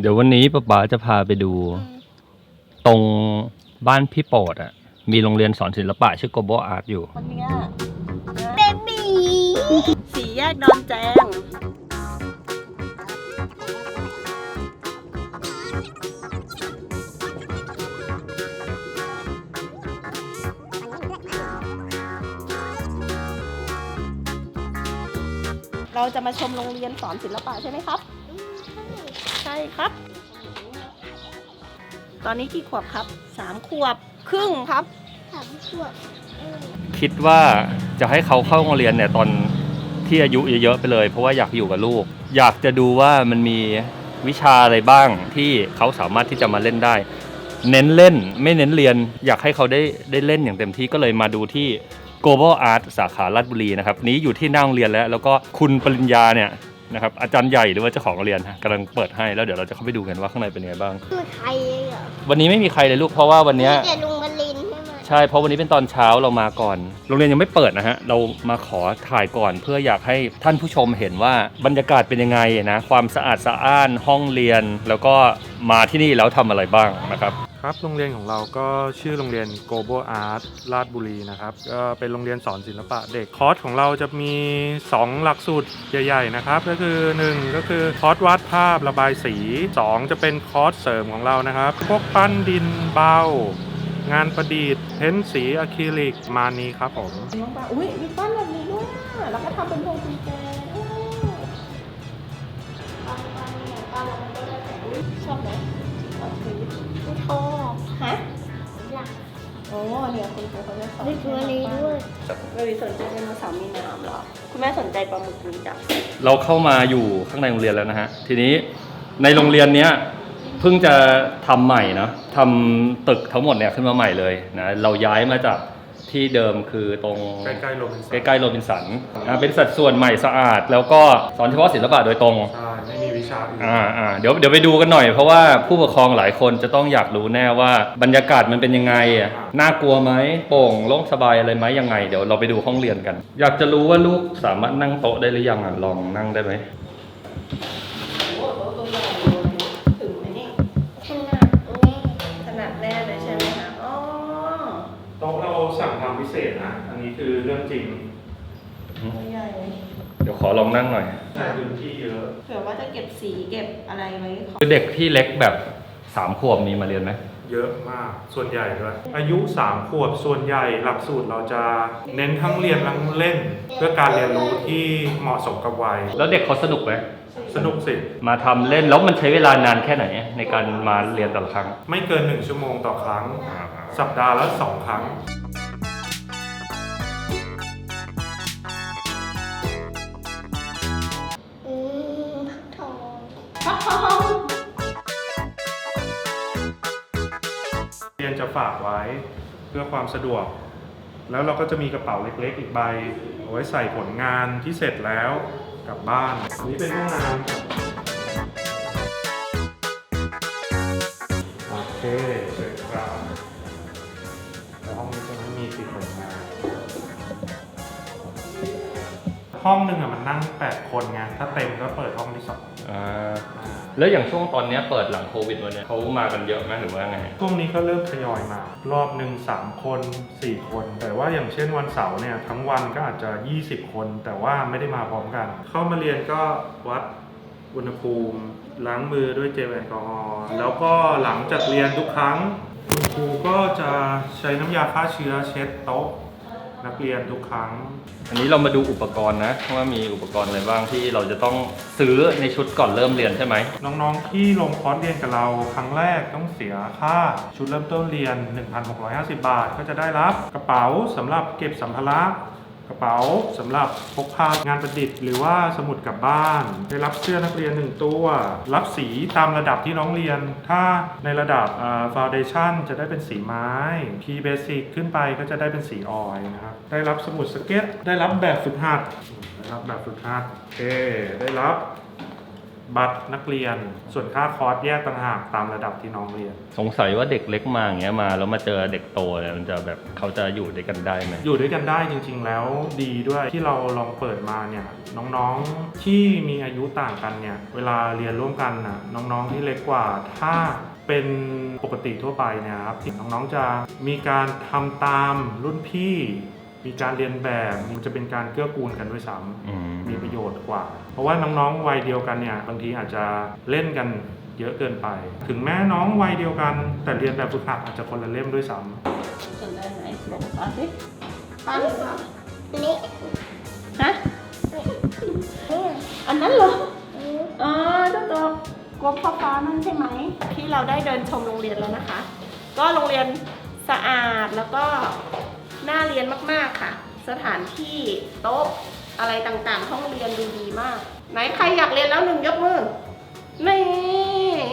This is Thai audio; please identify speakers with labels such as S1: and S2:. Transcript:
S1: เดี๋ยววันนี้ป๊าจะพาไปดูตรงบ้านพี่โปรดอ่ะมีโรงเรียนสอนศิลปะชื่อ Global Art อยู่
S2: วันเนี้ย
S3: เบบี้
S2: สี่แยกดอนแจงเราจะมาชมโรงเรียนสอนศิลปะใช่ไหมครับใช่ครับ ตอนนี้กี่ขวบครับ3 ขวบครึ่งครับ
S3: 3 ขวบ
S1: คิดว่าจะให้เขาเข้าโรงเรียนเนี่ยตอนที่อายุเยอะๆไปเลยเพราะว่าอยากอยู่กับลูกอยากจะดูว่ามันมีวิชาอะไรบ้างที่เขาสามารถที่จะมาเล่นได้เน้นเล่นไม่เน้นเรียนอยากให้เขาได้เล่นอย่างเต็มที่ก็เลยมาดูที่ Global Art สาขาราชบุรีนะครับนี้อยู่ที่หน้าโรงเรียนแล้วก็คุณปริญญาเนี่ยนะครับอาจารย์ใหญ่หรือว่าเจ้าของโรงเรียนกำลังเปิดให้แล้วเดี๋ยวเราจะเข้าไปดูกันว่าข้างในเป็นยังไงบ้าง
S3: คือใครเหรอ
S1: วันนี้ไม่มีใครเลยลูกเพราะว่าวันนี้
S3: แต่ลุงบลินใช่ไหม
S1: ใช่เพราะวันนี้เป็นตอนเช้าเรามาก่อนโรงเรียนยังไม่เปิดนะฮะเรามาขอถ่ายก่อนเพื่ออยากให้ท่านผู้ชมเห็นว่าบรรยากาศเป็นยังไงนะความสะอาดสะอ้านห้องเรียนแล้วก็มาที่นี่แล้วทำอะไรบ้างนะครับ
S4: ครับโรงเรียนของเราก็ชื่อโรงเรียน Global Art ราชบุรีนะครับก็เป็นโรงเรียนสอนศิลปะเด็กคอร์สของเราจะมี2หลักสูตรใหญ่ๆนะครับก็คือ1ก็คือคอร์สวาดภาพระบายสี2จะเป็นคอร์สเสริมของเรานะครับพวกปั้นดินเบางานประดิษฐ์เพ้นสีอะคริลิกมานี้ครับผม
S2: น้องปลาอุ้ยมีปั้นแบบนี้ด้วยแล้วก็ทำเป็นพวงกุญแจชอบไหมชอบสี
S3: ไม่ชอบ
S2: ฮะ
S3: อยาก
S2: โอ้เนี่ยคุณครูเขาจะสอน
S3: ได้ตัวนี้ด้วย
S2: ไม่สนใจไดโนเสาร์มีน้ำหรอคุณแม่สนใจปลาหมึกนี้จ้ะ
S1: เราเข้ามาอยู่ข้างในโรงเรียนแล้วนะฮะทีนี้ในโรงเรียนเนี้ยเพิ่งจะทำใหม่นะทำตึกทั้งหมดเนี่ยขึ้นมาใหม่เลยนะเราย้ายมาจากที่เดิมคือตรง
S4: ใกล้ๆโรบินสัน
S1: เป็นสัดส่วนใหม่สะอาดแล้วก็สอนเฉพาะศิลปะโดยตรง
S4: ใช่ไม่มีวิชาอื่น
S1: เดี๋ยวไปดูกันหน่อยเพราะว่าผู้ปกครองหลายคนจะต้องอยากรู้แน่ว่าบรรยากาศมันเป็นยังไงน่ากลัวไหมโปร่งโล่งสบายอะไรไหมยังไงเดี๋ยวเราไปดูห้องเรียนกันอยากจะรู้ว่าลูกสามารถนั่งโต๊ะได้หรือยังลองนั่งได้ไหม
S2: ขนาดแน่เลยใช่ไหมคะอ๋อ
S4: โต๊ะเราสั่งทำพิเศษนะอันนี้คือเรื่องจริง
S2: ใหญ่
S1: เดี๋ยวขอลองนั่งหน่อย
S4: ใช้พื้นที่เยอะ
S2: เผื่อว่าจะเก็บสีเก็บอะไรไว้
S1: คือเด็กที่เล็กแบบ3 ขวบมีมาเรียนไหม
S4: เยอะมากส่วนใหญ่ด้วยอายุ3 ขวบส่วนใหญ่หลักสูตรเราจะเน้นทั้งเรียนทั้งเล่นเพื่อการเรียนรู้ที่เหมาะสมกับวัย
S1: แล้วเด็กเขาสนุกไหม
S4: สนุกสิ
S1: มาทำเล่นแล้วมันใช้เวลานานแค่ไหนในการมาเรียนแต่ละครั้ง
S4: ไม่เกิน1 ชั่วโมงต่อครั้งสัปดาห์ละ2 ครั้งเรียนจะฝากไว้เพื่อความสะดวกแล้วเราก็จะมีกระเป๋าเล็กๆอีกใบเอาไว้ใส่ผลงานที่เสร็จแล้วกลับบ้านอันนี้เป็นห้องน้ำโอเคเสร็จครับแล้วห้องนี้จะไม่มีติดผลงานห้องหนึ่งมันนั่ง8 คนไงถ้าเต็มก็เปิดห้องที่2
S1: แล้วอย่างช่วงตอนนี้เปิดหลังโควิดวันนี้เขามากันเยอะไหมหรือว่าไง
S4: ช่วงนี้ก็เริ่มทยอยมารอบหนึ่ง3 คน4 คนแต่ว่าอย่างเช่นวันเสาร์เนี่ยทั้งวันก็อาจจะ20 คนแต่ว่าไม่ได้มาพร้อมกันเข้ามาเรียนก็วัดอุณหภูมิล้างมือด้วยเจลแอลกอฮอล์แล้วก็หลังจากเรียนทุกครั้งคุณครูก็จะใช้น้ำยาฆ่าเชื้อเช็ดโต๊ะนักเรียนทุกครั้ง
S1: อันนี้เรามาดูอุปกรณ์นะว่ามีอุปกรณ์อะไรบ้างที่เราจะต้องซื้อในชุดก่อนเริ่มเรียนใช่ไหม
S4: น้องๆที่ลงคอร์สเรียนกับเราครั้งแรกต้องเสียค่าชุดเริ่มต้นเรียน 1,650 บาทก็จะได้รับกระเป๋าสำหรับเก็บสัมภาระกระเป๋าสำหรับพกพางานประดิษฐ์หรือว่าสมุดกลับบ้านได้รับเสื้อนักเรียน1 ตัวรับสีตามระดับที่น้องเรียนถ้าในระดับFoundation จะได้เป็นสีไม้ P Basic ขึ้นไปก็จะได้เป็นสีออยล์นะครับได้รับสมุดสเก็ตได้รับแบบฝึกหัดโอเคได้รับบัตรนักเรียน ส่วนค่าคอร์สแยกต่างหากตามระดับที่น้องเรียน
S1: สงสัยว่าเด็กเล็กมาอย่างเงี้ยมาแล้วมาเจอเด็กโตเนี่ยมันจะแบบเขาจะอยู่ด้วยกันได้ไหม
S4: อยู่ด้วยกันได้จริงๆแล้วดีด้วยที่เราลองเปิดมาเนี่ยน้องๆที่มีอายุต่างกันเนี่ยเวลาเรียนร่วมกันนะน้องๆที่เล็กกว่าถ้าเป็นปกติทั่วไปเนี่ยครับน้องๆจะมีการทำตามรุ่นพี่มีการเรียนแบบมันจะเป็นการเกื้อกูลกันด้วยซ้ำมีประโยชน์กว่า เพราะว่าน้องๆวัยเดียวกันเนี่ยบางทีอาจจะเล่นกันเยอะเกินไป ถึงแม้น้องวัยเดียวกัน แต่เรียนแบบฝึกหัดอาจจะคนละเล่มด้วยซ้ำ
S2: จนได้ไหมบอกป้าสิ
S3: ตั้งนี่
S2: ฮะ อันนั้นเหรอ อ๋อเจ้าตัวกบฟ้านั่นใช่ไหม ที่เราได้เดินชมโรงเรียนแล้วนะคะ ก็โรงเรียนสะอาดแล้วก็น่าเรียนมากๆค่ะ สถานที่โต๊ะอะไรต่างๆห้องเรียนดูดีมาก ไหนใครอยากเรียนแล้วหนึ่งยกมือ นี่